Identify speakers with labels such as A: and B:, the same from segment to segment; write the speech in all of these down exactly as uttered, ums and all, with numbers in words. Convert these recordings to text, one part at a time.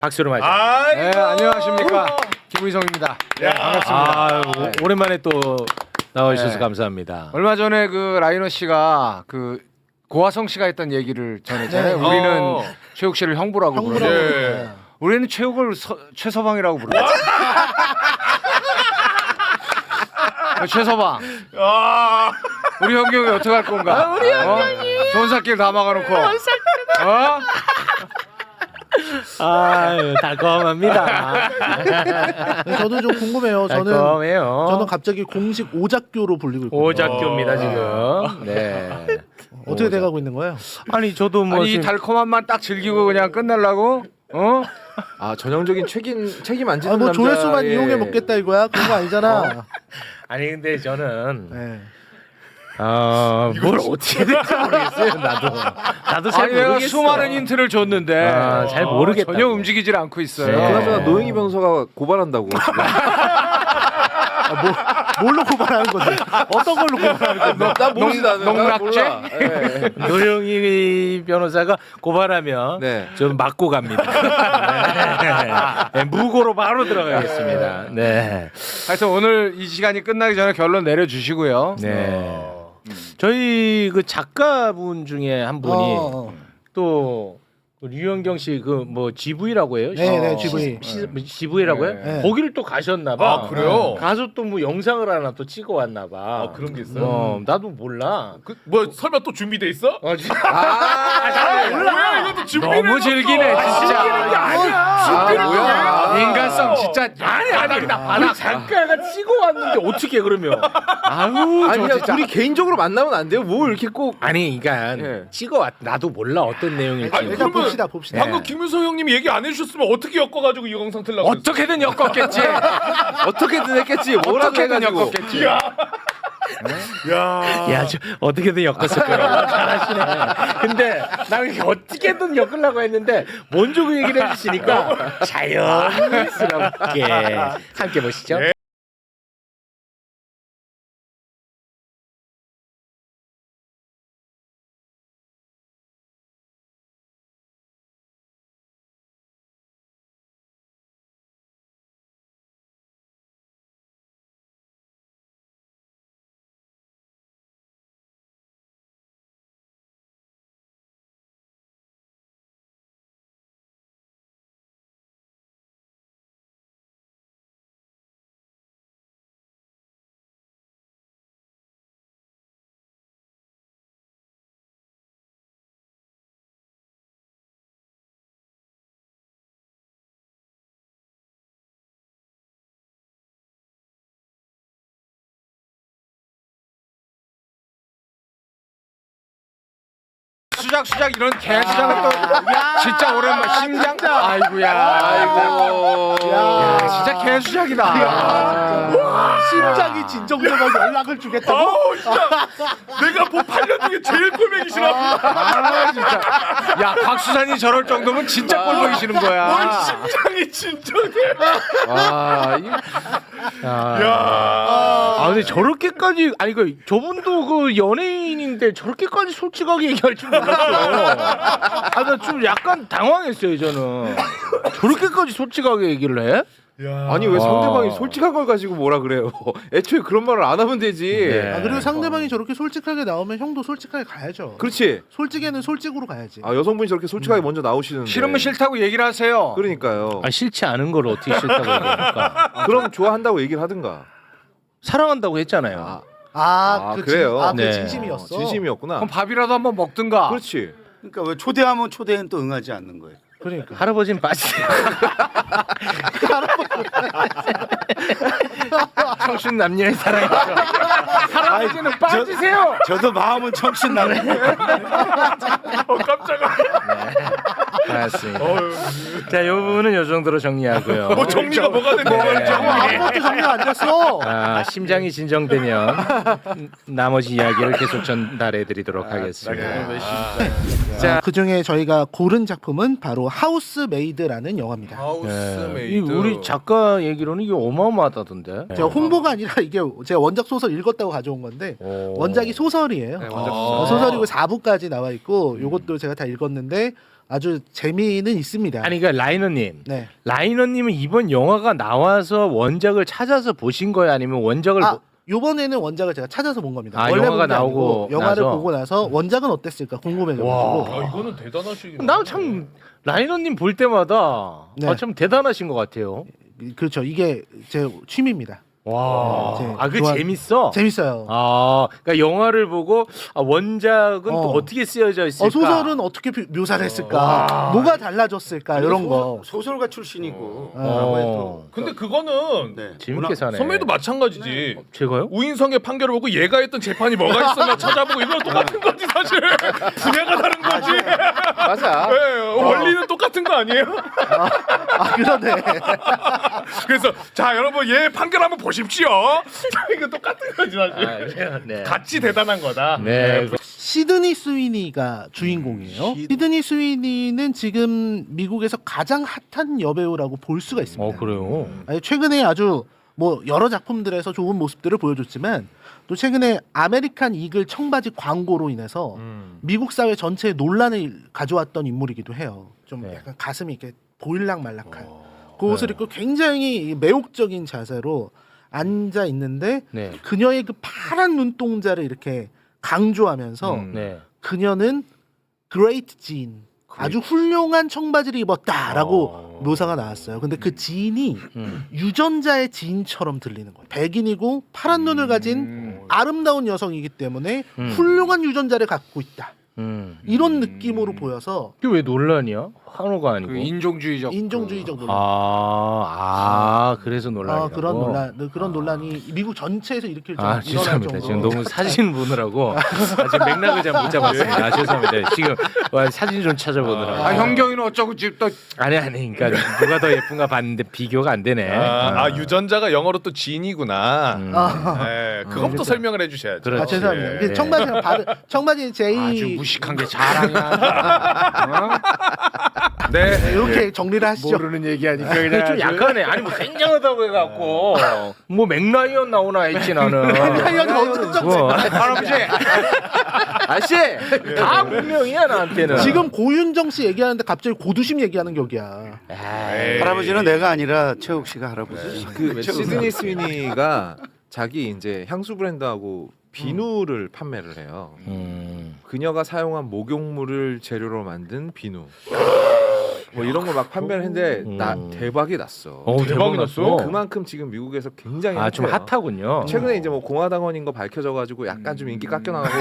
A: 박수로 맞아.
B: 네, 안녕하십니까. 김의성입니다. 네, 반갑습니다.
A: 아,
B: 네.
A: 오랜만에 또 나와주셔서
B: 네.
A: 감사합니다.
B: 얼마 전에 그 라이너 씨가 그 고화성 씨가 했던 얘기를 전했잖아요.
C: 네.
B: 우리는
C: 어.
B: 최욱 씨를 형부라고
C: 형부라고
B: 부르고
C: 부르고.
B: 우리는 최욱을 서, 최서방이라고 부르고 최서방
C: 아,
B: 우리 형경이 어떻게 할 건가? 우리 형경이 좋은 살길 다 막아놓고 어?
A: 아유, 달콤합니다.
C: 네, 저도 좀 궁금해요. 저는
A: 달콤해요.
C: 저는 갑자기 공식 오작교로 불리고 있거든요.
A: 오작교입니다 지금. 네.
C: 어떻게 돼가고 있는 거예요?
A: 아니 저도 뭐
B: 아니 이
A: 지금-
B: 달콤함만 딱 즐기고 그냥 끝내려고? 어?
D: 아 전형적인 책임 책임 안 지는
C: 아, 뭐
D: 남자.
C: 조회수만 이용해 먹겠다 이거야? 그런 거 아니잖아.
A: 아니 근데 저는
C: 네.
A: 어, 뭘 어떻게 될지 모르겠어요. 나도 나도 잘
B: 아니 내가
A: 모르겠어.
B: 수많은 힌트를 줬는데
A: 아, 잘 모르겠다고.
B: 전혀 움직이질 않고 있어요.
A: 네.
D: 그나저나 노영희 변호사가 고발한다고. 지금.
C: 아, 뭐, 뭘로 고발하는 건데? 어떤 걸로 고발하는 건데?
D: 나 모르지도 않아.
B: 농락죄?
D: 네.
A: 노영희 변호사가 고발하면
D: 네.
A: 좀 맞고 갑니다. 네. 네, 무고로 바로 들어가겠습니다. 네.
B: 하여튼 오늘 이 시간이 끝나기 전에 결론 내려주시고요.
A: 네. 저희 그 작가분 중에 한 분이
C: 어, 어.
A: 또 류현경 씨 그 뭐 지브이라고 해요?
C: 네, 네,
B: 어.
C: 지브이.
A: 지브이라고 해요?
C: 네.
A: 거기를 또 가셨나 봐.
B: 아, 그래요?
A: 가서 또 뭐 영상을 하나 또 찍어 왔나 봐.
E: 아, 그런 게 있어요?
A: 어, 나도 몰라.
E: 그, 뭐 설마 또 준비돼 있어?
A: 어, 지-
D: 아,
E: 뭐야 이것도 준비를
B: 너무 즐기네 진짜.
A: 즐기는 게 아니야.
D: 아, 뭐야?
B: 인간성 진짜
A: 아니 아니 우리 작가가 찍어 왔는데 어떻게 그러면? 아우
D: 아니
A: 저
D: 그냥
A: 진짜.
D: 둘이 개인적으로 만나면 안 돼요? 뭐 이렇게 꼭.
A: 아니 그러니까
D: 예.
A: 찍어 왔. 나도 몰라 어떤 내용일지.
E: 아니,
C: 일단
E: 그러면
C: 봅시다, 봅시다.
E: 방금 김윤성 형님이 얘기 안 해주셨으면 어떻게 엮어가지고 이 영상 틀라고 그랬어?
B: 어떻게든 엮었겠지.
D: 어떻게든 했겠지. 뭐라도
B: 어떻게든
D: 해가지고.
B: 엮었겠지.
E: 야,
A: 야, 저 어떻게든 엮었을 거라고 잘하시네. 근데 나 이렇게 어떻게든 엮으려고 했는데 먼저 그 얘기를 해주시니까 자연스럽게 함께 보시죠.
E: 네.
B: 수작 수작 이런 개 수작은 또 진짜 오랜만. 심장. 아이고야.
D: 아이고.
B: 야, 진짜 개 수작이다.
C: 심장이 진정되면 연락을 주겠다고?
E: 아우 진짜 내가 본 팔 년 중에 제일 꼴보기 싫어.
B: 아 진짜. 야 박수산이 저럴 정도면 진짜 꼴보기 싫은
E: 뭘
B: 거야.
E: 심장이 진정해.
D: 아, 이-
E: 야,
A: 아 근데 저렇게까지 아니 그 저분도 그 연예인인데 저렇게까지 솔직하게 얘기할 줄 몰랐어. 아나 좀 약간 당황했어요 저는. 저렇게까지 솔직하게 얘기를 해?
E: 야.
D: 아니 왜
A: 와.
D: 상대방이 솔직한 걸 가지고 뭐라 그래요? 애초에 그런 말을 안 하면 되지.
A: 네.
C: 아, 그리고 상대방이 저렇게 솔직하게 나오면 형도 솔직하게 가야죠.
D: 그렇지.
C: 솔직에는 솔직으로 가야지.
D: 아 여성분이 저렇게 솔직하게 먼저 나오시는데.
B: 싫으면 싫다고 얘기를 하세요.
D: 그러니까요.
A: 아 싫지 않은 걸 어떻게 싫다고 얘기합니까?
D: 그럼 좋아한다고 얘기를 하든가.
A: 사랑한다고 했잖아요.
D: 아,
C: 아,
D: 아,
C: 그
D: 그래요?
C: 진, 아, 그
A: 네.
C: 진심이었어.
D: 진심이었구나.
B: 그럼 밥이라도 한번 먹든가.
D: 그렇지.
F: 그러니까 왜 초대하면 초대는 또 응하지 않는 거예요.
C: 그러니까.
A: 할아버지는 빠지세요. 청춘 남녀의 사랑이죠. 할아버지는 빠지세요.
F: 저도 마음은 청춘 나는
E: 어 깜짝아.
A: 맞습니다. 자, 이 부분은 이 정도로 정리하고요.
E: 뭐 정리가 뭐가 됐네.
C: 어, 아무것도 정리가 안 됐어.
A: 아, 심장이 진정되면 나머지 이야기를 계속 전달해드리도록 하겠습니다.
C: 자, 그 중에 저희가 고른 작품은 바로 하우스 메이드라는 영화입니다.
A: 네. 이 우리 작가 얘기로는 이게 어마어마하다던데.
C: 제가 홍보가 아니라 이게 제가 원작 소설 읽었다고 가져온 건데
A: 오.
C: 원작이 소설이에요.
D: 네,
C: 어,
D: 원작
C: 어, 소설이고 사 부까지 나와 있고 요것도 제가 다 읽었는데 아주 재미는 있습니다.
A: 아니 그러니까 라이너님,
C: 네.
A: 라이너님은 이번 영화가 나와서 원작을 찾아서 보신 거예요, 아니면 원작을
C: 아,
A: 보...
C: 요번에는 원작을 제가 찾아서 본 겁니다.
A: 아,
C: 원래
A: 영화가
C: 본게 아니고
A: 나오고
C: 영화를
A: 나서?
C: 보고 나서 원작은 어땠을까 궁금해져가지고.
E: 야, 이거는 대단하시긴.
A: 나 참 라이너님 볼 때마다
C: 네.
A: 아, 참 대단하신 것 같아요.
C: 그렇죠. 이게 제 취미입니다.
A: 와,
C: 네,
A: 아, 그
C: 좋아-
A: 재밌어.
C: 재밌어요.
A: 아, 그러니까 영화를 보고 아, 원작은 또
C: 어.
A: 어떻게 쓰여져 있을까?
C: 어, 소설은 어떻게 묘- 묘사를 했을까?
A: 와.
C: 뭐가 달라졌을까? 이런 거.
F: 소, 소설가 출신이고.
C: 어.
F: 라고 해도.
E: 근데 그거는
F: 네.
A: 재밌게 사네.
E: 선배도 마찬가지지.
A: 제가요?
E: 우인성의 판결을 보고 얘가 했던 재판이 뭐가 있었나 찾아보고 이건 똑같은 거지 사실. 분야가 다른 거지.
D: 맞아.
E: 네, 원리는 똑같은 거 아니에요?
C: 아 그러네.
E: 그래서 자 여러분 얘 판결 한번 보십시오. 이거 똑같은 거지 사실.
A: 아, 그래요? 네.
E: 같이 대단한 거다.
A: 네.
C: 시드니 스위니가 주인공이에요. 시드니 스위니는 지금 미국에서 가장 핫한 여배우라고 볼 수가 있습니다.
A: 어, 그래요.
C: 아니, 최근에 아주 뭐 여러 작품들에서 좋은 모습들을 보여줬지만 또 최근에 아메리칸 이글 청바지 광고로 인해서 미국 사회 전체에 논란을 가져왔던 인물이기도 해요. 좀
A: 네.
C: 약간 가슴이 이렇게 보일락말락한 그 옷을 입고 굉장히 매혹적인 자세로 앉아 있는데
A: 네.
C: 그녀의 그 파란 눈동자를 이렇게 강조하면서
D: 음.
A: 네.
C: 그녀는 그레이트 진 아주 훌륭한 청바지를 입었다라고
A: 어.
C: 묘사가 나왔어요. 근데 그 지인이
A: 음.
C: 유전자의 지인처럼 들리는 거예요. 백인이고 파란 눈을 가진 아름다운 여성이기 때문에
A: 음.
C: 훌륭한 유전자를 갖고 있다.
A: 음.
C: 이런 느낌으로 보여서
A: 이게 왜 논란이야? 한호가 아니고.
B: 그 인종주의적
C: 인종주의적 논란.
A: 아, 아, 그래서 논란이라고.
C: 아, 그런 논란, 그런 논란이 미국 전체에서 일으킬 정도
A: 아,
C: 일어날
A: 죄송합니다.
C: 정도로.
A: 지금 너무 사진 보느라고 아, 지금 맥락을 잘 못 잡았습니다. 아, 죄송합니다. 지금 와, 사진 좀 찾아보느라고.
B: 아, 현경이는 어쩌고 지금 또
A: 아니 아니, 그러니까 누가 더 예쁜가 봤는데 비교가 안 되네.
E: 아, 아 유전자가 영어로 또 지인이구나.
A: 음.
C: 아,
E: 네, 그것부터 설명을 해주셔야죠.
A: 그렇지.
C: 아, 죄송합니다.
E: 예.
C: 그 청바지랑 바르, 청바지 제이
B: 아주 무식한 게 자랑이야.
E: 네.
C: 네, 이렇게 정리를 하시죠.
B: 모르는 얘기하니까
A: 그게
B: 그냥
A: 좀 약하네. 아니 뭐 굉장하다고 해갖고 뭐 맥라이언 나오나 했지 나는.
C: 맥라이언은 어쩌죠?
A: 뭐.
B: 할아버지
A: 아씨 다 분명이야 나한테는.
C: 지금 고윤정 씨 얘기하는데 갑자기 고두심 얘기하는 격이야.
A: 에이.
F: 할아버지는 내가 아니라 최욱 씨가 할아버지.
D: 그 시드니 스위니가 자기 이제 향수 브랜드하고 비누를 판매를 해요.
A: 음.
D: 그녀가 사용한 목욕물을 재료로 만든 비누. 뭐 이런 거 막 판매를 했는데
A: 음.
D: 나 대박이 났어.
A: 어, 대박이 났어.
D: 그만큼 지금 미국에서 굉장히
A: 아, 좀
D: 핫해요.
A: 핫하군요.
D: 최근에 이제 뭐 공화당원인 거 밝혀져가지고 약간 좀 인기 깎여 나가고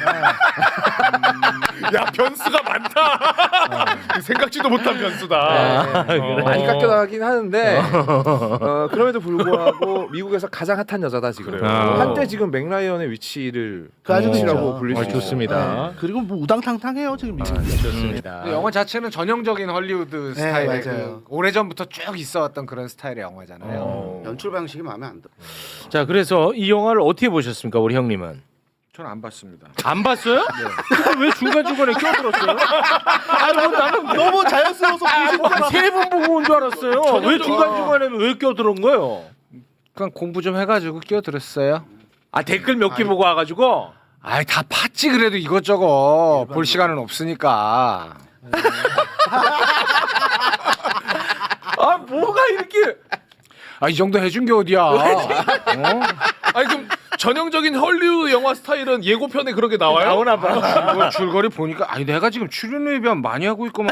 E: 야 변수가 많다. 생각지도 못한 변수다.
A: 아,
E: 어.
A: 그래.
D: 많이 깎여 나가긴 하는데 어, 그럼에도 불구하고 미국에서 가장 핫한 여자다 지금.
E: 그래요.
D: 한때 지금 맥라이언의 위치를
C: 그 아주
D: 위치라고
C: 그렇죠.
D: 불릴
A: 어,
D: 수
A: 좋습니다.
C: 네. 그리고 뭐 우당탕탕해요 지금 미국.
A: 좋습니다.
B: 그 영화 자체는 전형적인 헐리우드 스타일의
C: 맞아요.
B: 그 오래전부터 쭉 있어왔던 그런 스타일의 영화잖아요.
A: 어.
F: 연출 방식이 마음에 안 들어.
A: 자, 그래서 이 영화를 어떻게 보셨습니까, 우리 형님은?
B: 저는 안 봤습니다.
A: 안 봤어요? 네. 왜 중간 중간에 껴들었어요? 아, 뭐 나는
C: 너무 자연스러워서 보신
A: 세번 보고 온 줄 알았어요. 왜 중간 중간에는 왜 껴들은 거예요?
B: 그냥 공부 좀 해가지고 끼어들었어요.
A: 아, 댓글 몇 개 보고 와가지고.
B: 아이 다 팠지 그래도 이것저것 볼 시간은 없으니까.
A: 아, 뭐가 이렇게?
B: 아 이 정도 해준 게 어디야? 어?
E: 아니 그럼 전형적인 헐리우드 영화 스타일은 예고편에 그렇게 나와요?
A: 나오나 봐.
B: 이거 줄거리 보니까 아니 내가 지금 출연료 예비한 많이 하고 있구만.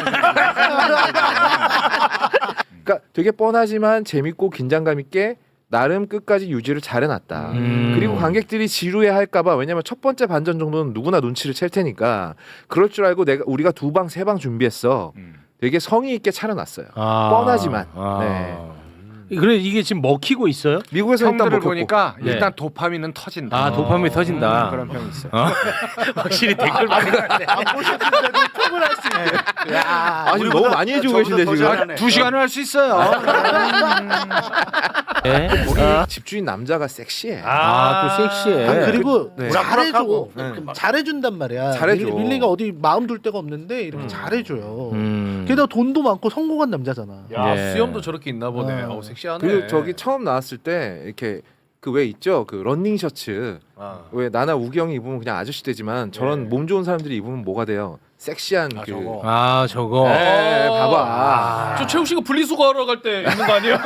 D: 그러니까 되게 뻔하지만 재밌고 긴장감 있게 나름 끝까지 유지를 잘 해놨다.
A: 음.
D: 그리고 관객들이 지루해할까봐 왜냐면 첫 번째 반전 정도는 누구나 눈치를 챌 테니까 그럴 줄 알고 내가 우리가 두 방 세 방 준비했어. 되게 성의 있게 차려놨어요.
A: 아.
D: 뻔하지만.
A: 아.
D: 네.
A: 그래 이게 지금 먹히고 있어요?
D: 미국에서 일단
B: 평들을
D: 먹혔고.
B: 보니까
A: 네.
B: 일단 도파민은 터진다.
A: 아, 도파민이 터진다.
B: 음, 그런 평이 있어요.
A: 어? 확실히 댓글 많이 갔네.
C: 안 보셨는데도 톡을 할 수 있게. 야,
D: 아 지금 너무 많이 해주고 계신데
F: 더
D: 지금.
F: 잘하네.
B: 두 시간을 할 수 있어요.
A: 네?
D: 우리
A: 아,
D: 집주인 남자가 섹시해.
A: 아, 또 섹시해.
C: 아, 그리고
D: 네.
C: 잘해줘.
D: 네.
C: 잘해준단 말이야.
D: 잘해줘.
C: 밀- 밀리가 어디 마음 둘 데가 없는데 이렇게 잘해줘요.
A: 음.
C: 게다가 돈도 많고 성공한 남자잖아.
E: 야
A: 네.
E: 수염도 저렇게 있나 보네.
C: 어.
E: 어 섹시하네.
D: 그리고 저기 처음 나왔을 때 이렇게 그 왜 있죠? 그 런닝 셔츠. 왜 나나 우기 형이 입으면 그냥 아저씨 되지만 저런 몸 좋은 사람들이 입으면 뭐가 돼요? 섹시한 그.
B: 저거.
A: 아 저거.
D: 에 봐봐.
E: 저 최욱 씨가 분리수거하러 갈 때 입는 거 아니에요?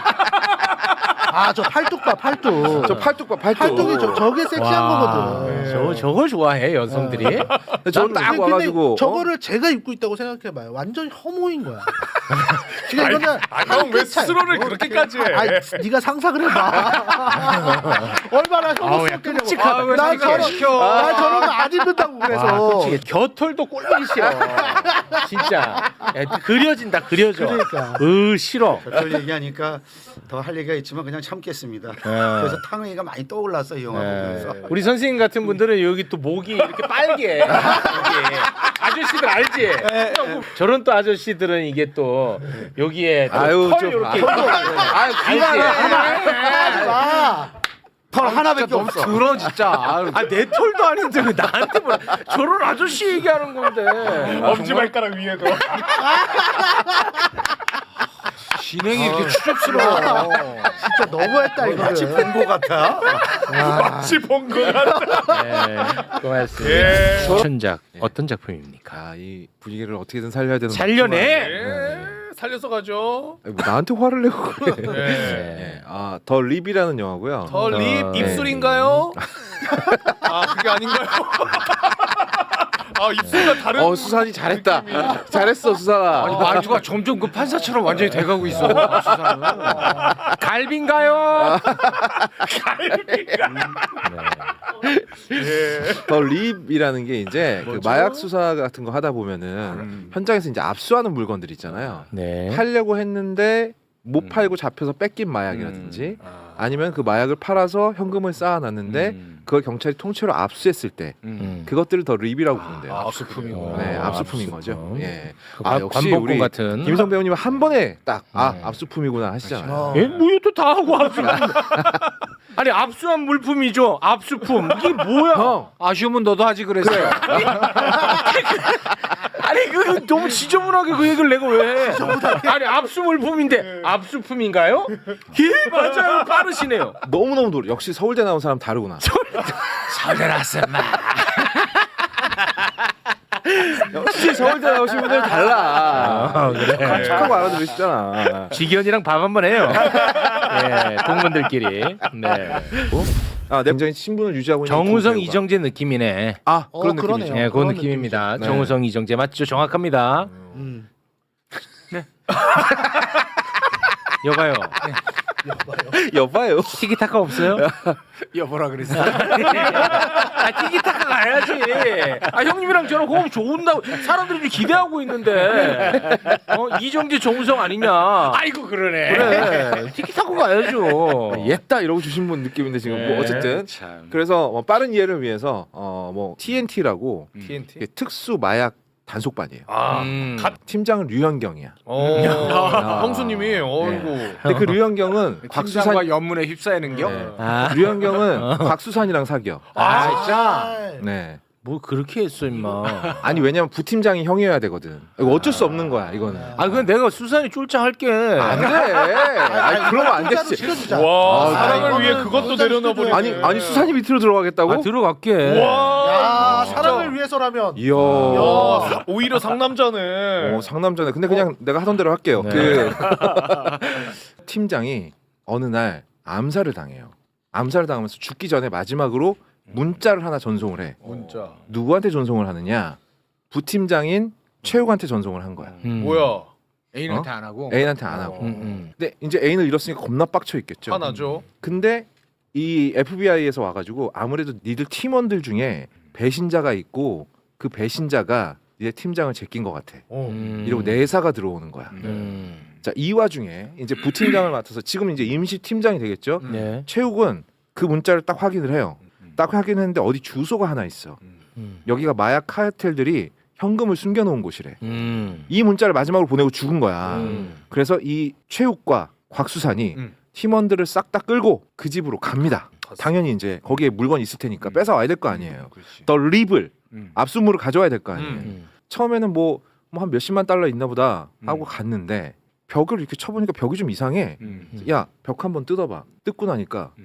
C: 아 저 팔뚝 봐 팔뚝.
D: 저 팔뚝 봐 팔뚝.
C: 팔뚝이 저 저게 섹시한
A: 와,
C: 거거든.
A: 저거 저걸 좋아해 여성들이.
D: 저거 딱
C: 근데
D: 와가지고.
C: 저거를 제가 입고 있다고 생각해봐요. 완전 혐오인 거야. 지금 이거는
E: 아, 형 왜
C: 한 끗 차이.
E: 스스로를 그렇게까지 해?
C: 아니, 네가 상상을 해봐. 얼마나 혐오스럽겠냐고.
A: 끔찍하다.
C: 나
B: 자기
C: 저런
B: 시켜.
C: 나 저런 거 안 입는다고 그래서.
A: 와, 끔찍해. 겨털도 꼴보기 싫어. 진짜 야, 그려진다 그려져.
C: 그러니까.
A: 으 싫어.
F: 저걸 얘기하니까 더 할 얘기가 있지만 그냥 참겠습니다. 그래서 탕웨이가 많이 떠올랐어요 이 영화 보면서.
A: 우리 선생님 같은 분들은 여기 또 목이 이렇게 빨개. 여기. 아저씨들 알지? 저런 또 아저씨들은 이게 또 여기에 또
D: 아유,
A: 털
D: 좀
A: 이렇게.
D: 아유
A: 알지?
C: 아,
F: 털 하나밖에 없어.
B: 들어 진짜. 아유,
A: 아 내 털도 아닌데 왜 나한테 뭐 저런 아저씨 얘기하는 건데.
E: 엄지발가락 위에도.
B: 진행이 이렇게 추접스러워.
C: 진짜 너무했다
F: 마치
C: 이거는.
F: 본거 같아.
E: 마치 본 거 같아.
A: 네, 고맙습니다.
E: 예.
A: 천작 어떤 작품입니까?
D: 아, 이 분위기를 어떻게든 살려야 되는.
A: 살려내.
E: 예. 살려서 가죠.
D: 아니, 뭐 나한테 화를 내고 그래.
E: 예.
D: 네. 아, 더 립이라는 영화고요.
E: 더 립
A: 어,
E: 입술인가요? 아 그게 아닌가요? 아 입술과 다른.
D: 어, 수산이 잘했다. 잘했어, 수산아.
B: 아니 말투가 점점 그 판사처럼 완전히 돼가고 있어. 수사는.
A: 갈비인가요?
D: 더 립이라는 게 이제 그 마약 수사 같은 거 하다 보면은 현장에서 이제 압수하는 물건들 있잖아요.
A: 네.
D: 팔려고 했는데 못 팔고 잡혀서 뺏긴 마약이라든지 아니면 그 마약을 팔아서 현금을 쌓아놨는데 그걸 경찰이 통째로 압수했을 때
A: 음.
D: 그것들을 더 립이라고 부른대요.
B: 아, 압수품이구나.
D: 네,
A: 어,
D: 압수품인
A: 압수품.
D: 거죠. 예.
A: 아,
D: 아, 역시
A: 관복권
D: 우리
A: 같은.
D: 김성 배우님 한 번에 딱 아,
A: 네.
D: 압수품이구나 하시잖아요.
A: 예? 뭐 이것도 다 하고 압수. 아니 압수한 물품이죠. 압수품. 이게 뭐야?
D: 형,
B: 아쉬우면 너도 하지 그랬어.
A: 아니 그 너무 지저분하게 그 얘기를 내가 왜? 아니 압수 물품인데 압수품인가요? 예 맞아요. 빠르시네요.
D: 너무너무 노래. 역시 서울대 나온 사람 다르구나.
A: 서울대 나왔어 마.
D: 역시 서울대 나오신 분들 달라.
A: 아, 그래.
D: 축하고 알아들으시잖아.
A: 지견이랑 밥 한번 해요. 예, 동문들끼리. 네.
D: 아, 굉장히 신분을 유지하고 있는
A: 정우성
D: 김배우가.
A: 이정재 느낌이네.
D: 아,
C: 어,
D: 그런
C: 그러네요.
D: 느낌이죠.
A: 예, 그
C: 그런
A: 느낌입니다.
D: 느낌이죠. 네.
A: 정우성 이정재 맞죠? 정확합니다.
C: 음.
A: 여봐요.
D: 여봐요.
A: 티키타카 없어요?
B: 여보라 그랬어.
A: 아 티키타카 가야지. 아 형님이랑 저랑 호흡 좋은다고 사람들이 이제 기대하고 있는데 어, 이정재 정우성 아니냐?
B: 아이고 그러네.
A: 그래 티키타카 가야죠.
D: 옛다 이러고 주신 분 느낌인데 지금
A: 네.
D: 뭐 어쨌든
B: 참.
D: 그래서 뭐 빠른 이해를 위해서 어뭐 티엔티라고
E: 티엔티.
D: 특수 마약 단속반이에요.
E: 아.
A: 음.
D: 팀장은 류현경이야.
E: 어.
D: 야.
E: 형수님이 어이구.
D: 근데 그 류현경은 곽수산
B: 곽수산과 연문에 휩싸이는 겨.
D: 네.
A: 아,
D: 류현경은 곽수산이랑 사겨.
A: 아 진짜?
D: 네.
A: 뭐 그렇게 했어 임마.
D: 아니 왜냐면 부팀장이 형이어야 되거든. 이거 어쩔 수 없는 거야 이거는.
A: 아 그건 내가 수산이 쫄짱할게.
D: 안 돼. 아니 그러면 안
C: 진짜로
D: 되지.
C: 시켜주자.
E: 와
D: 아,
E: 사랑을
C: 이거는
E: 위해 그것도
C: 여자를
E: 내려놔 버리네.
D: 아니 아니 수산이 밑으로 들어가겠다고?
A: 아 들어갈게.
E: 와.
C: 야
E: 진짜.
C: 사랑을 위해서라면.
D: 이야.
E: 야, 사- 오히려 상남자네.
D: 어, 상남자네. 근데 그냥 내가 하던 대로 할게요.
A: 네.
D: 그 팀장이 어느 날 암살을 당해요. 암살을 당하면서 죽기 전에 마지막으로 문자를 하나 전송을 해.
E: 문자.
D: 누구한테 전송을 하느냐? 부팀장인 최욱한테 전송을 한 거야.
A: 음.
E: 뭐야?
B: 애인한테 안 하고.
D: 애인한테 안 하고.
A: 음, 음.
D: 근데 이제 애인을 잃었으니까 겁나 빡쳐 있겠죠.
E: 화나죠.
D: 근데 이 에프비아이에서 와가지고 아무래도 니들 팀원들 중에 배신자가 있고 그 배신자가 이제 팀장을 제낀 것 같아.
A: 음.
D: 이러고 내사가 들어오는 거야.
A: 음.
D: 자, 이 와중에 이제 부팀장을 맡아서 지금 이제 임시 팀장이 되겠죠.
A: 네.
D: 최욱은 그 문자를 딱 확인을 해요. 딱 확인했는데 어디 주소가 하나 있어.
A: 음.
D: 여기가 마약 카르텔들이 현금을 숨겨놓은 곳이래.
A: 음.
D: 이 문자를 마지막으로 보내고 죽은 거야.
A: 음.
D: 그래서 이 최욱과 곽수산이
E: 음.
D: 팀원들을 싹 다 끌고 그 집으로 갑니다.
E: 갔어.
D: 당연히 이제 거기에 물건 있을 테니까 뺏어 와야 될 거 아니에요.
E: 그렇지.
D: 더 립을
E: 음.
D: 압수물을 가져와야 될 거 아니에요.
E: 음.
A: 음.
D: 처음에는 뭐 뭐 한 몇십만 달러 있나 보다 하고
E: 음.
D: 갔는데 벽을 이렇게 쳐보니까 벽이 좀 이상해.
E: 음.
D: 야, 벽 한번 뜯어봐. 뜯고 나니까
E: 음.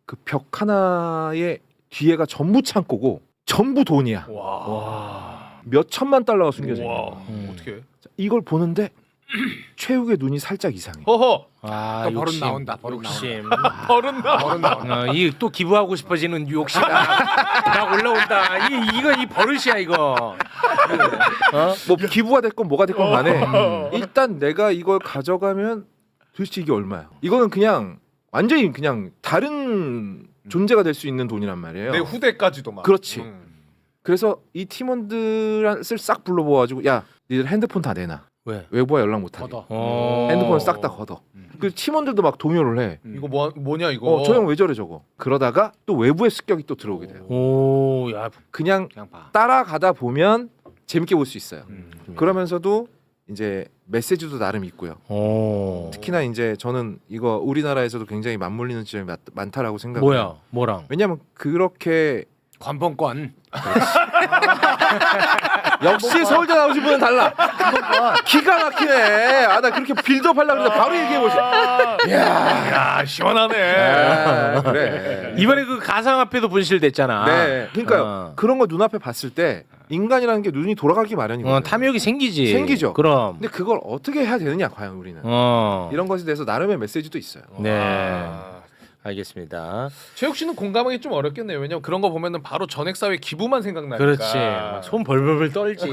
D: 그 벽 하나의 뒤에가 전부 창고고 전부 돈이야.
E: 와.
D: 몇 천만 달러가 숨겨져 있는
E: 와.
D: 거야.
A: 음.
E: 어떻게?
D: 이걸 보는데 최욱의 눈이 살짝 이상해.
E: 허허.
A: 아,
B: 또 버릇
A: 욕심.
B: 나온다, 버릇
A: 욕심.
E: 버릇 나.
B: 버릇 나온다.
A: 어, 이 또 기부하고 싶어지는 욕심 막 올라온다. 이 이거 이 버릇이야 이거. 어?
D: 뭐 기부가 됐건 뭐가 됐건 간에 일단 내가 이걸 가져가면 도대체 이게 얼마야? 이거는 그냥 완전히 그냥 다른 존재가 될 수 있는 돈이란 말이에요.
E: 내 후대까지도 막.
D: 그렇지.
E: 음.
D: 그래서 이 팀원들을 싹 불러모아가지고 야, 니들 핸드폰 다 내놔.
A: 왜?
D: 외부와 연락 못하게.
B: 걷어.
A: 어.
D: 핸드폰을 싹 다 걷어. 그 팀원들도 막 동요를 해.
E: 이거 뭐 뭐냐 이거.
D: 어, 저 형 왜 저래 저거. 그러다가 또 외부의 습격이 또 들어오게 돼요.
A: 오, 야.
D: 그냥
B: 그냥 봐.
D: 따라가다 보면 재밌게 볼 수 있어요.
E: 음.
D: 그러면서도 이제 메시지도 나름 있고요.
A: 오.
D: 특히나 이제 저는 이거 우리나라에서도 굉장히 맞물리는 지점이 많, 많다라고 생각해요.
A: 뭐야? 뭐랑?
D: 왜냐하면 그렇게
B: 관본권.
D: 역시 서울대 나오신 분은 달라. 기가 막히네. 아, 나 그렇게 빌드업 하려고 했는데 바로 얘기해 보시.
E: 야 시원하네.
D: 그래.
A: 이번에 그 가상화폐도 분실됐잖아.
D: 네. 그러니까요.
A: 어.
D: 그런 거 눈앞에 봤을 때 인간이라는 게 눈이 돌아가기 마련이거든요.
A: 어, 탐욕이 생기지.
D: 생기죠.
A: 그럼.
D: 근데 그걸 어떻게 해야 되느냐 과연 우리는.
A: 어.
D: 이런 것에 대해서 나름의 메시지도 있어요.
A: 네.
E: 아.
A: 알겠습니다.
E: 최욱 씨는 공감하기 좀 어렵겠네요. 왜냐면 그런 거 보면은 바로 전액사회 기부만 생각나니까.
A: 그렇지. 막손 벌벌벌 떨지.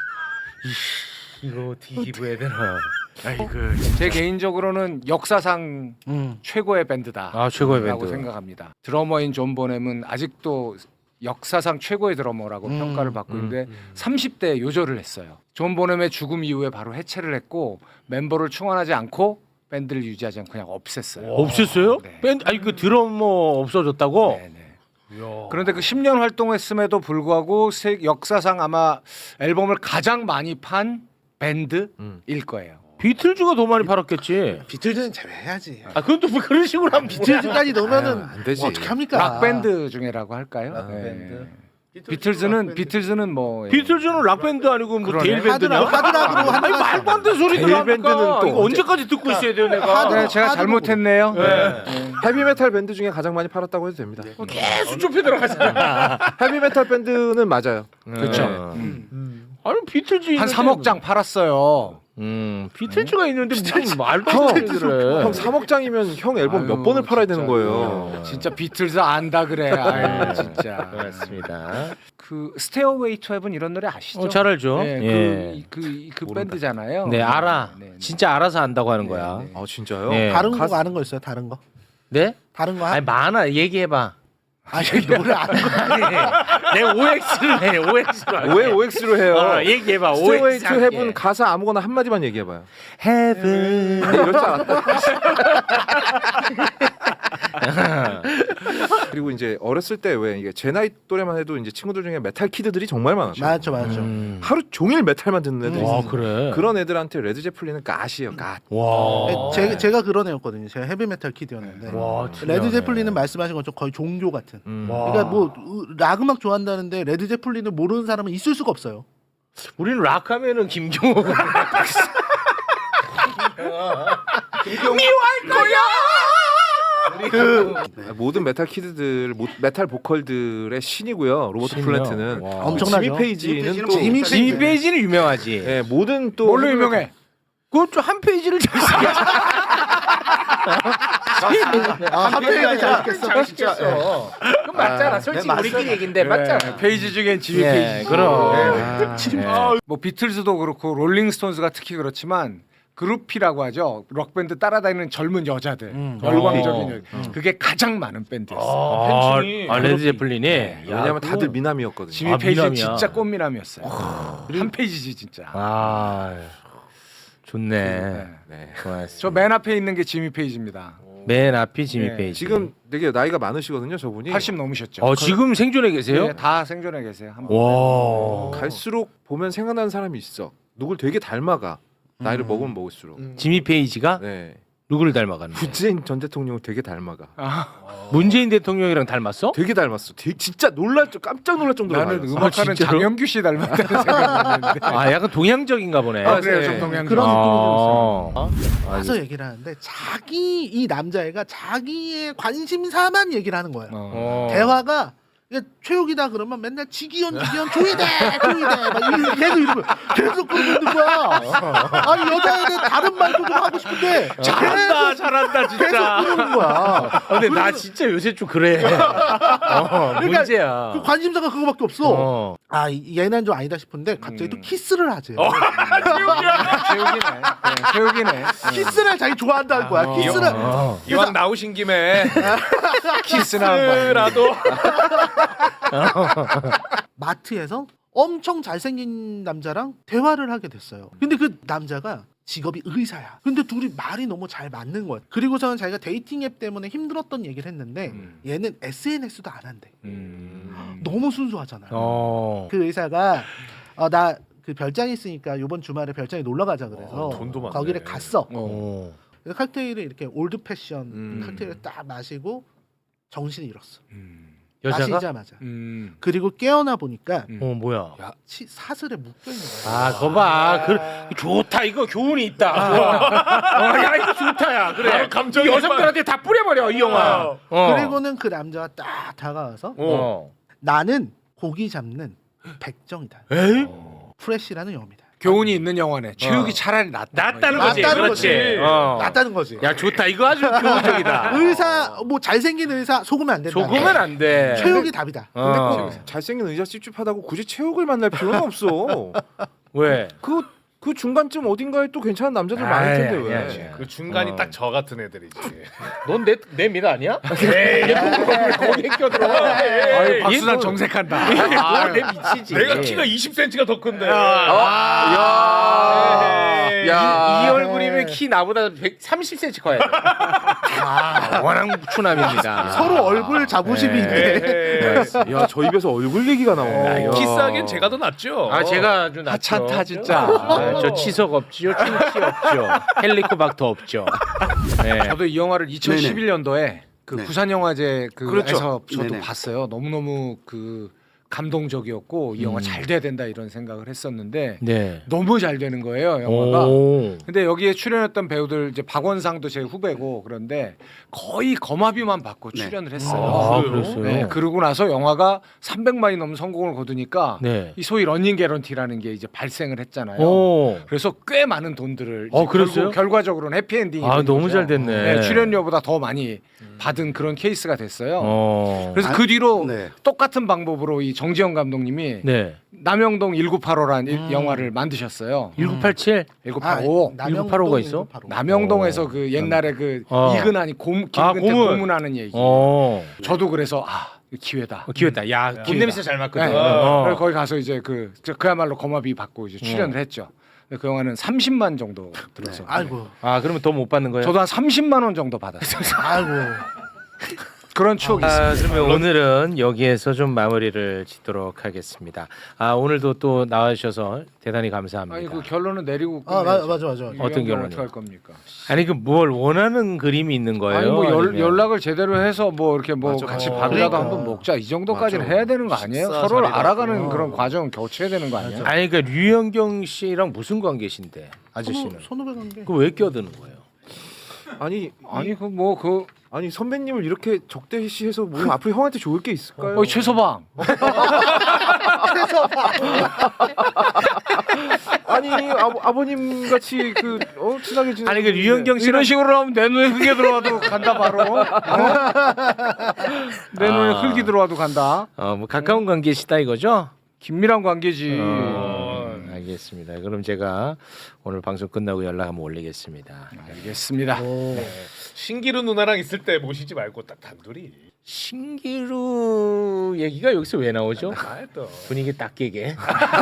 A: 이씨, 이거 어떻게 기부해야 되나. 아이고.
B: 제 개인적으로는 역사상
C: 음.
B: 최고의 밴드다.
A: 아, 최고의
B: 라고
A: 밴드.
B: 생각합니다. 드러머인 존 보넴은 아직도 역사상 최고의 드러머라고
C: 음.
B: 평가를 받고
D: 음,
B: 있는데 삼십 대에 요절을 했어요. 존 보넴의 죽음 이후에 바로 해체를 했고 멤버를 충원하지 않고 밴드를 유지하지 않고 그냥 없앴어요.
A: 없었어요?
B: 네.
A: 밴드 아니 그 드러머 없어졌다고?
B: 네네.
E: 이야.
B: 그런데 그 십 년 활동했음에도 불구하고 세, 역사상 아마 앨범을 가장 많이 판 밴드일
D: 음.
B: 거예요.
A: 비틀즈가 더 많이 팔았겠지.
C: 비틀즈는 제외해야지.
A: 아, 그건 또 뭐 그런 식으로 하면
C: 비틀즈까지 넣으면은
D: 아유, 안 되지.
C: 뭐 어떻게 합니까?
B: 락 밴드 중에라고 할까요?
F: 락
B: 네.
F: 밴드.
B: 비틀즈는 비틀즈는 뭐 예.
A: 비틀즈는 락 밴드 아니고 뭐
B: 그러네.
A: 데일 밴드냐?
C: 하드락, 하드락으로 하는
A: 아니
C: 거
A: 말도 안 되는 소리들
D: 데일
A: 하니까
D: 밴드는 또
A: 이거
D: 언제-
A: 언제까지 듣고 있어야 돼요 내가?
B: 네, 제가
C: 하드락으로.
B: 잘못했네요.
A: 네.
D: 헤비메탈 밴드 중에 가장 많이 팔았다고 해도 됩니다.
A: 계속 좁혀 들어가잖아.
D: 헤비메탈 밴드는 맞아요.
A: 그렇죠.
B: 음.
A: 아니 비틀즈
B: 한
A: 있는데
B: 삼억 장 팔았어요.
A: 음 비틀즈가 있는데 무슨 말도 안 되는 얘기를 해.
D: 형 삼억 장이면 형 앨범 몇
B: 아유,
D: 번을 팔아야
B: 진짜.
D: 되는 거예요.
B: 진짜 비틀즈 안다 그래. 아유, 진짜.
A: 그렇습니다.
B: 그 스테어웨이 투 헤븐 이런 노래 아시죠?
A: 어, 잘 알죠.
B: 네,
A: 예.
B: 그, 그, 그
D: 모른다.
B: 밴드잖아요.
A: 네 알아.
B: 네, 네.
A: 진짜 알아서 안다고 하는 거야.
B: 네, 네.
D: 아 진짜요?
A: 네.
C: 다른 거
D: 가수-
C: 아는 거 있어요? 다른 거?
A: 네?
C: 다른 거?
A: 아니 많아. 얘기해봐.
C: 아니 노래 아는 거.
A: 내 오엑스를 해. 오엑스로.
D: 왜 오엑스로 해요?
A: 어, 얘기해봐.
D: 스테이웨이
A: 오엑스
D: 투 헤븐 가사 아무거나 한 마디만 얘기해봐요.
A: 헤븐.
D: 네, 이럴 줄 알았다. 그리고 이제 어렸을 때 왜 이게 제 나이 또래만 해도 이제 친구들 중에 메탈 키드들이 정말 많았죠.
C: 맞죠, 맞죠.
A: 음.
D: 하루 종일 메탈만 듣는 애들이
A: 와
D: 있어요.
A: 그래.
D: 그런 애들한테 레드 제플린은 가시예요. 가.
A: 와.
C: 제, 제가 그런 애였거든요. 제가 헤비메탈 키드였는데
A: 와.
C: 레드 제플린은 말씀하신 것처럼 거의 종교 같은.
D: 음.
A: 와.
C: 그러니까 뭐 락 음악 좋아한다는데 레드 제플린을 모르는 사람은 있을 수가 없어요.
A: 우리는 락 하면은 김경호.
D: 모든 메탈 키드들, 모- 메탈 보컬들의 신이고요. 로버트
A: 신이요?
D: 플랜트는
A: 와.
C: 엄청나죠.
D: 지미 페이지는 또
C: 지미 페이지.
A: 지미 페이지는 유명하지.
D: 예, 모든 또
B: 뭘로 유명해?
A: 그것도 한 페이지를 잘 쓰게.
C: 아, 한 페이지 잘했겠어.
A: 잘 쓰겠어. 그건 맞잖아. 솔직히 우리끼리 얘긴데 맞잖아.
B: 네, 페이지 중엔 지미
A: 예,
B: 페이지.
A: 그럼.
B: 네. 뭐 비틀즈도 그렇고 롤링스톤스가 특히 그렇지만 그룹이라고 하죠. 록 밴드 따라다니는 젊은 여자들,
C: 음.
B: 열광적인
A: 어.
B: 여 그게 가장 많은 밴드였어요.
A: 아,
E: 팬층이
A: 아 레드 제플린이.
D: 왜냐면 다들 미남이었거든요.
B: 지미
A: 아,
B: 페이지
A: 미남이야.
B: 진짜 꽃미남이었어요. 한 페이지지 진짜.
A: 아 좋네.
B: 네.
D: 네.
A: 고맙습니다.
B: 저 맨 앞에 있는 게 지미 페이지입니다.
A: 맨 앞이 지미
B: 네.
A: 페이지.
D: 지금 되게 나이가 많으시거든요, 저분이.
B: 팔십 넘으셨죠.
A: 어 지금 생존해 계세요?
B: 네, 다 생존해 계세요. 한 번.
A: 와.
D: 갈수록 보면 생각나는 사람이 있어. 누굴 되게 닮아가. 나이를 먹으면 먹을수록.
A: 지미 페이지가
D: 네.
A: 누구를 닮아가는?
D: 문재인 전 대통령 되게 닮아가.
A: 문재인 대통령이랑 닮았어?
D: 되게 닮았어. 되게 진짜 놀랄 줄 깜짝 놀랄 정도로
B: 나는
D: 닮았어.
B: 음악하는
A: 아, 진짜로?
B: 장영규 씨 닮았다는 생각했는데.
A: 아 약간 동양적인가 보네.
B: 아, 그래요.
D: 네.
B: 좀 동양.
C: 그런
A: 아.
C: 와서 얘기를 하는데 자기 이 남자애가 자기의 관심사만 얘기를 하는 거예요.
B: 어.
A: 어.
C: 대화가 이게 최욱이다 그러면 맨날 지기현 지기현 조이대 조이대 막 이러- 계속 이러고 계속 그러고 있는 거야. 아니 여자애는 다른 말도 좀 하고 싶은데
A: 잘한다 잘한다
C: 계속
A: 진짜.
C: 그러는 거야.
A: 근데 나 진짜 요새 좀 그래. 어, 문제야.
C: 그 관심사가 그거밖에 없어.
A: 어.
C: 아 이- 얘는 좀 아니다 싶은데 갑자기 또
B: 음.
C: 키스를 하지.
B: 최욱이네. 네, 최욱이네.
C: 키스를 자기 좋아한다는 거야.
B: 어.
C: 키스를
A: 어.
E: 이왕 나오신 김에
B: 키스나 한번.
E: 라도
C: 마트에서 엄청 잘생긴 남자랑 대화를 하게 됐어요. 근데 그 남자가 직업이 의사야. 근데 둘이 말이 너무 잘 맞는 거야. 그리고서는 자기가 데이팅 앱 때문에 힘들었던 얘기를 했는데
B: 음.
C: 얘는 에스엔에스도 안 한대.
B: 음.
C: 너무 순수하잖아요.
A: 어.
C: 그 의사가 어, 나 그 별장 있으니까 이번 주말에 별장에 놀러 가자 그래서
E: 어, 돈도 많네.
C: 거기를 갔어.
A: 어.
C: 그래서 칵테일을 이렇게 올드 패션
D: 음.
C: 칵테일을 딱 마시고 정신을 잃었어.
B: 음.
A: 여자가?
C: 마시자마자.
B: 음.
C: 그리고 깨어나 보니까
B: 음.
A: 어 뭐야?
C: 치, 사슬에 묶여 있는 거야.
A: 아, 거 봐. 그 좋다. 이거 교훈이 있다. 어, 야, 이거 좋다야. 그래.
E: 바로 감정이
A: 이 여성들한테 다 뿌려버려 이 영화. 어.
C: 그리고는 그 남자가 딱 다가와서
A: 어.
C: 나는 고기 잡는 백정이다.
A: 에이?
C: 프레시라는 영화입니다.
B: 교훈이 있는 영화네. 최욱이 차라리 낫다.
A: 낫다는 거지.
C: 낫다는
A: 그렇지.
C: 거지.
A: 어.
C: 낫다는 거지.
A: 야, 좋다. 이거 아주 교훈적이다.
C: 의사 뭐 잘생긴 의사 속으면 안 된다.
A: 속으면 안 돼.
C: 최욱이 답이다.
D: 근데
A: 어.
D: 그 잘생긴 의자 찝찝하다고 굳이 최욱을 만날 필요는 없어.
A: 왜?
D: 그, 그 중간쯤 어딘가에 또 괜찮은 남자들 많을 텐데
A: 아이,
D: 왜?
A: 아니야, 아니야.
E: 그 중간이
A: 어.
E: 딱 저 같은 애들이지.
A: 넌내내 미드 아니야? 에이, 거기에 껴들어.
B: 아유, 박수단
A: 얘는
B: 정색한다.
A: 아, 내 미치지.
E: 내가 키가 이십 센티미터가 더 큰데.
D: 야,
E: 에이.
D: 야,
A: 이 얼굴이면 키 나보다 백삼십 센티미터 커야 돼. 아, 워낙 추남입니다.
C: 서로 얼굴 자부심이 있네.
E: 에이.
D: 야, 저 입에서 얼굴 얘기가 나오네.
A: 야,
E: 키스하기엔 제가 더 낫죠.
A: 아 제가 아주 낫죠.
B: 하찮다, 진짜.
A: 아, 저 치석 없지요, 충치 없죠, 헬리코박터 없죠. 네.
B: 저도 이 영화를 이천십일 년도에 그
F: 네.
B: 부산 영화제 그에서
F: 그렇죠.
B: 저도
F: 네네.
B: 봤어요. 너무 너무 그 감동적이었고 이 영화
A: 음.
B: 잘 돼야 된다 이런 생각을 했었는데
A: 네.
B: 너무 잘 되는 거예요 영화가.
A: 오.
B: 근데 여기에 출연했던 배우들 이제 박원상도 제 후배고 그런데 거의 거마비만 받고
F: 네.
B: 출연을 했어요.
A: 아,
E: 그래요?
A: 그랬어요.
B: 네, 그러고 나서 영화가 삼백만이 넘는 성공을 거두니까
A: 네.
B: 이 소위 러닝 개런티라는 게 이제 발생을 했잖아요.
A: 오.
B: 그래서 꽤 많은 돈들을
A: 어,
B: 이제
A: 그랬어요?
B: 결국 결과적으로는 해피엔딩이
A: 아
B: 된
A: 너무
B: 거죠.
A: 잘 됐네.
B: 네, 출연료보다 더 많이 받은 그런 케이스가 됐어요.
A: 어.
B: 그래서
F: 아,
B: 그 뒤로
F: 네.
B: 똑같은 방법으로 이 정지영 감독님이
A: 네.
B: 남영동 천구백팔십오라는
C: 음.
B: 영화를 만드셨어요.
A: 천구백팔십칠.
B: 천구백팔십오.
C: 아,
A: 천구백팔십오가 있어?
C: 천구백팔십오.
B: 남영동에서
A: 어.
B: 그 옛날에 그
A: 어.
B: 이근한이 곰
A: 아,
B: 김근태
A: 고문.
B: 고문하는 얘기.
A: 어.
B: 저도 그래서 아 이거 기회다.
A: 어, 기회다. 야, 돈
B: 기회다.
A: 냄새 잘 맞거든.
B: 네.
A: 어.
B: 그래서 거기 가서 이제 그 저- 그야말로 거마비 받고 이제 출연을
A: 어.
B: 했죠. 근데 그 영화는 삼십만 정도 들었어요.
C: 아이고,
A: 아, 그러면 더 못 받는 거예요?
B: 저도 한 삼십만 원 정도 받았어요.
C: 아이고.
B: 그런 추억이 있어요.
A: 아, 그러면 오늘은 여기에서 좀 마무리를 짓도록 하겠습니다. 아, 오늘도 또 나와주셔서 대단히 감사합니다.
B: 아니 그 결론은 내리고
C: 아
B: 끝내야죠.
C: 맞아 맞아 맞아.
B: 이
A: 어떤
B: 연결을
A: 결론이요?
B: 어떻게 할 겁니까?
A: 아니 그 뭘 원하는 그림이 있는 거예요?
B: 아니 뭐 연,
A: 아니면-
B: 연락을 제대로 해서 뭐 이렇게 뭐
D: 맞아.
B: 같이
E: 어.
B: 밥이라도
C: 그러니까.
B: 한번 먹자 이 정도까지는
E: 맞아.
B: 해야 되는 거 아니에요?
E: 식사
B: 서로를
E: 자리가
B: 알아가는
E: 있구나.
B: 그런 과정은 거쳐야 되는 거 아니에요?
A: 아니 그러니까 류현경 씨랑 무슨 관계신데 아저씨는?
C: 선후배 관계.
A: 그 왜 껴드는 거예요?
D: 아니,
B: 아니 그 뭐 그
D: 아니 선배님을 이렇게 적대시해서 뭐 앞으로 형한테 좋을 게 있을까요?
B: 어, 최서방
D: 아니 아버, 아버님 같이 그 어, 친하게 지내.
A: 아니 그 류현경 씨랑
B: 이런 식으로 하면 내 눈에 흙이 들어와도 간다 바로. 어? 내 눈에
A: 아.
B: 흙이 들어와도 간다.
A: 어, 뭐 가까운 관계시다 이거죠?
B: 긴밀한 관계지.
A: 어, 알겠습니다. 그럼 제가 오늘 방송 끝나고 연락 한번 올리겠습니다.
B: 알겠습니다.
E: 신기루 누나랑 있을 때 모시지 말고 딱 단둘이.
A: 신기루 얘기가 여기서 왜 나오죠?
E: 아 또.
A: 분위기 딱 깨게.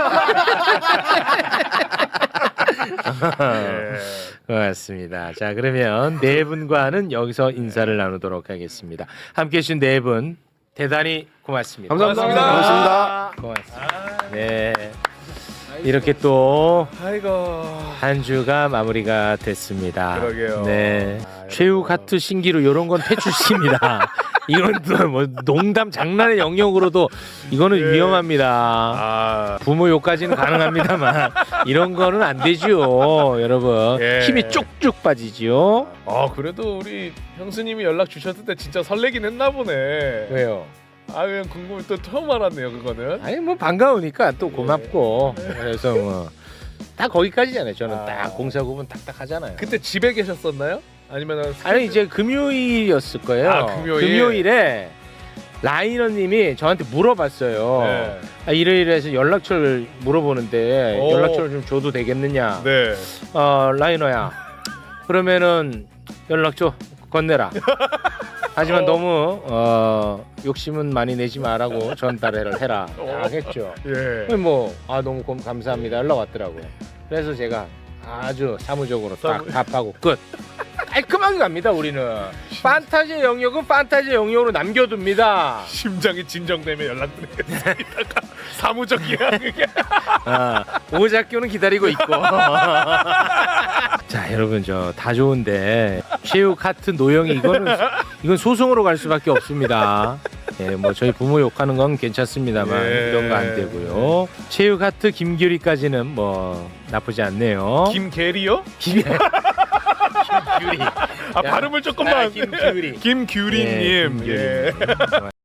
E: 예.
A: 고맙습니다. 자 그러면 네 분과는 여기서 인사를 나누도록 하겠습니다. 함께해 주신 네 분 대단히 고맙습니다.
D: 감사합니다.
E: 고맙습니다.
A: 고맙습니다. 네. 이렇게 또
E: 아이고.
A: 한 주가 마무리가 됐습니다.
E: 그러게요.
A: 네. 최후 카트 신기루 이런 건 퇴출시킵니다. 이건 또 뭐 농담 장난의 영역으로도 이거는
E: 예.
A: 위험합니다.
E: 아,
A: 부모 욕까지는 가능합니다만 이런 거는 안 되죠, 여러분.
E: 예.
A: 힘이 쭉쭉 빠지지요.
E: 아 그래도 우리 형수님이 연락 주셨을 때 진짜 설레긴 했나 보네.
A: 왜요?
E: 아 그냥 궁금해 또 처음 알았네요 그거는.
A: 아니 뭐 반가우니까 또 고맙고 그래서 뭐 다 거기까지잖아요. 저는
E: 아.
A: 딱 공사 구분 딱딱 하잖아요.
E: 그때 집에 계셨었나요? 아니면은
A: 아니 이제 금요일이었을 거예요.
E: 아, 금요일.
A: 금요일에 라이너님이 저한테 물어봤어요.
E: 네.
A: 아, 이래이래해서 연락처를 물어보는데
E: 오.
A: 연락처를 좀 줘도 되겠느냐?
E: 네.
A: 어 라이너야. 그러면은 연락처 건네라. 하지만
E: 어.
A: 너무 어, 욕심은 많이 내지 말라고 전달을 해라.
E: 어.
A: 했죠.
E: 예.
A: 뭐아 너무 고- 감사합니다. 연락 왔더라고요. 그래서 제가 아주 사무적으로 딱
E: 사무-
A: 답하고 끝. 깔끔하게 갑니다. 우리는 판타지 영역은 판타지 영역으로 남겨둡니다.
E: 심장이 진정되면 연락드리겠습니다. 사무적이야 그게.
A: 아, 오작교는 기다리고 있고. 자 여러분 저 다 좋은데 최후 카트 노영이 이거는 이건 소송으로 갈 수밖에 없습니다. 예, 뭐 저희 부모 욕하는 건 괜찮습니다만
E: 예.
A: 이런 거 안 되고요. 최후 카트 김규리까지는 뭐 나쁘지 않네요.
E: 김계리요?
A: 김 김규리.
E: 아 발음을 조금만.
A: 아, 김규리.
E: 김규리님.
A: 예, 김규리.
E: 예.